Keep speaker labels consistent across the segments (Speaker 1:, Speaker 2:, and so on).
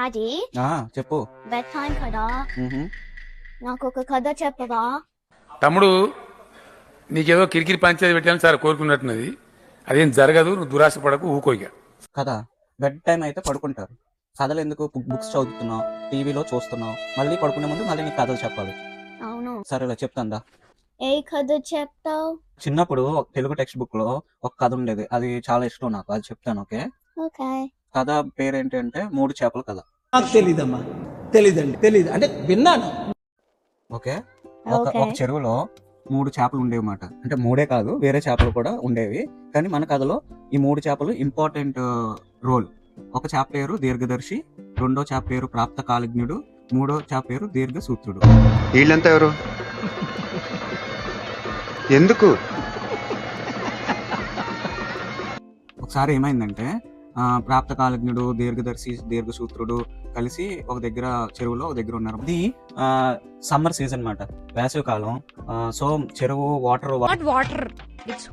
Speaker 1: Daddy
Speaker 2: చెప్పు.
Speaker 1: Bed time కదా, నాకు ఒక కథ చెప్పవా?
Speaker 3: తమ్ముడు నీకేదో కిరికిరి పంచాయతీ పెట్టాలని సార్ కోరుకున్నట్టున్నది. అదేం జరగదు, నువ్వు దురాశ పడకు, ఊకోయిగా.
Speaker 2: కదా, బెడ్ టైం అయితే పడుకుంటారు. కథలు ఎందుకు? బుక్స్ చదువుతున్నావు, టీవీలో చూస్తున్నావు, మళ్ళీ పడుకునే ముందు మళ్ళీ నీకు కథలు చెప్పాలి.
Speaker 1: అవును.
Speaker 2: సరేలే చెప్తాందా.
Speaker 1: ఏ కథ చెప్తావు?
Speaker 2: చిన్నప్పుడు ఒక తెలుగు టెక్స్ట్ బుక్ లో ఒక కథ ఉండేది, అది చాలా ఇష్టం నాకు, అది చెప్తాను. ఓకే.
Speaker 1: ఓకే.
Speaker 2: కథ పేరేంటి అంటే 3 చేపల కథ.
Speaker 4: నాకు తెలీదమ్మా, తెలీదండి, తెలీదు అంటే విన్నాను.
Speaker 2: ఓకే. ఒక చెరువులో 3 చేపలు ఉండేవి అన్నమాట. అంటే 3 కాదు, వేరే చేపలు కూడా ఉండేవి. కానీ మన కథలో ఈ 3 చేపలు ఇంపార్టెంట్ రోల్. ఒక చేప పేరు దీర్ఘదర్శి, రెండో చేప పేరు ప్రాప్త కాలజ్ఞుడు, మూడో చేప పేరు దీర్ఘసూత్రుడు.
Speaker 5: వీళ్ళంతా ఎవరు? ఎందుకు?
Speaker 2: ఒకసారి ఏమైందంటే ప్రాప్త కాలజ్ఞుడు, దీర్ఘదర్శి, దీర్ఘసూత్రుడు కలిసి ఒక దగ్గర చెరువులో ఒక దగ్గర ఉన్నారు. ఇది సమ్మర్ సీజన్ అన్నమాట, వేసవి కాలం. సో చెరువు water
Speaker 6: it's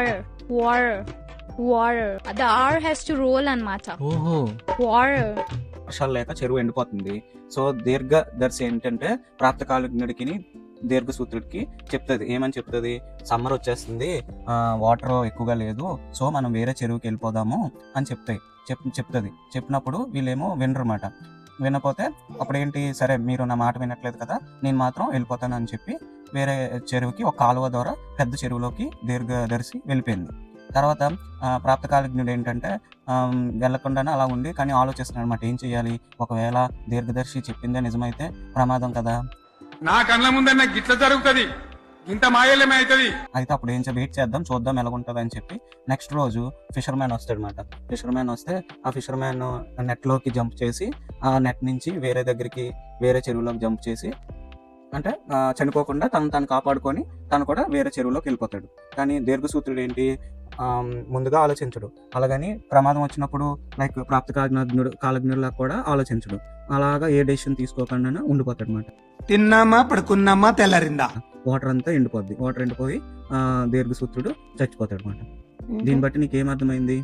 Speaker 6: water. The R has to roll అన్నమాట.
Speaker 2: ఓహో.
Speaker 6: Water.
Speaker 2: వర్షాలు లేక చెరువు ఎండిపోతుంది. సో దీర్ఘదర్శి ఏంటంటే ప్రాప్త కాలజ్ఞుడికి దీర్ఘసూత్రుడికి చెప్తుంది. ఏమని చెప్తుంది? సమ్మర్ వచ్చేస్తుంది, వాటర్ ఎక్కువగా లేదు, సో మనం వేరే చెరువుకి వెళ్ళిపోదాము అని చెప్తుంది. చెప్పినప్పుడు వీళ్ళేమో వినరమాట. వినపోతే అప్పుడు ఏంటి, సరే మీరు నా మాట వినట్లేదు కదా, నేను మాత్రం వెళ్ళిపోతాను అని చెప్పి వేరే చెరువుకి, ఒక కాలువ ద్వారా పెద్ద చెరువులోకి దీర్ఘదర్శి వెళ్ళిపోయింది. తర్వాత ప్రాప్తకాలజ్ఞుడు ఏంటంటే వెళ్లకుండానే అలా ఉండి కానీ ఆలోచిస్తున్నాడు అనమాట, ఏం చెయ్యాలి, ఒకవేళ దీర్ఘదర్శి చెప్పిందే నిజమైతే ప్రమాదం కదా,
Speaker 3: నా కళ్ళ ముందన్న గిట్ల జరుగుతుంది, ఇంత మాయలేమే అవుతుంది.
Speaker 2: అయితే అప్పుడు ఏం వెయిట్ చేద్దాం, చూద్దాం ఎలాగుంటుంది అని చెప్పి నెక్స్ట్ రోజు ఫిషర్ మ్యాన్ వస్తాడు అనమాట. ఫిషర్ మ్యాన్ వస్తే ఆ ఫిషర్ మ్యాన్ నెట్ లోకి జంప్ చేసి ఆ నెట్ నుంచి వేరే చెరువులోకి జంప్ చేసి, అంటే చనిపోకుండా తను కాపాడుకొని తను కూడా వేరే చెరువులోకి వెళ్ళిపోతాడు. కానీ దీర్ఘసూత్రుడు ఏంటి, ముందుగా ఆలోచించడు. అలాగని ప్రమాదం వచ్చినప్పుడు లైక్ ప్రాప్త కాలజ్ఞుడిలా కూడా ఆలోచించడు. అలాగా ఏ డెసిషన్ తీసుకోకుండా ఉండిపోతాడు అనమాట.
Speaker 4: తిన్నామా, పడుకున్నామా, తెల్లారిందా,
Speaker 2: వాటర్ అంతా ఎండిపోద్ది. వాటర్ ఎండిపోయి దీర్ఘసూత్రుడు చచ్చిపోతాడు అనమాట. దీన్ని బట్టి నీకేం అర్థమైంది?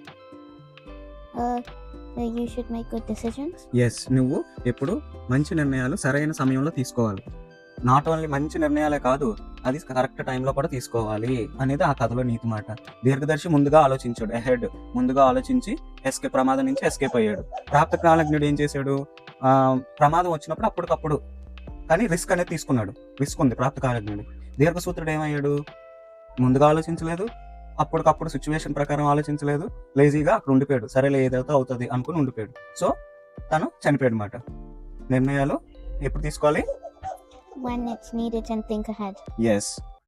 Speaker 1: You should make good decisions.
Speaker 2: Yes, నువ్వు ఎప్పుడు మంచి నిర్ణయాలు సరైన సమయంలో తీసుకోవాలి. నాట్ ఓన్లీ మంచి నిర్ణయాలే కాదు, అది కరెక్ట్ టైంలో కూడా తీసుకోవాలి అనేది ఆ కథలో నీతి మాట. దీర్ఘదర్శి ముందుగా ఆలోచించాడు, అహెడ్ ముందుగా ఆలోచించి ప్రమాదం నుంచి ఎస్కేప్ అయ్యాడు. ప్రాప్త కాలజ్ఞుడు ఏం చేశాడు, ప్రమాదం వచ్చినప్పుడు అప్పటికప్పుడు కానీ రిస్క్ అనేది తీసుకున్నాడు. రిస్క్ ఉంది ప్రాప్త కాలజ్ఞుడు. దీర్ఘసూత్రుడు ఏమయ్యాడు, ముందుగా ఆలోచించలేదు, అప్పటికప్పుడు సిచ్యువేషన్ ప్రకారం ఆలోచించలేదు, లేజీగా అక్కడ ఉండిపోయాడు. సరేలే ఏదైతే అవుతుంది అనుకుని ఉండిపోయాడు. సో తను చనిపోయాడు అనమాట. నిర్ణయాలు ఎప్పుడు తీసుకోవాలి?
Speaker 1: When it's needed and think ahead.
Speaker 2: Yes.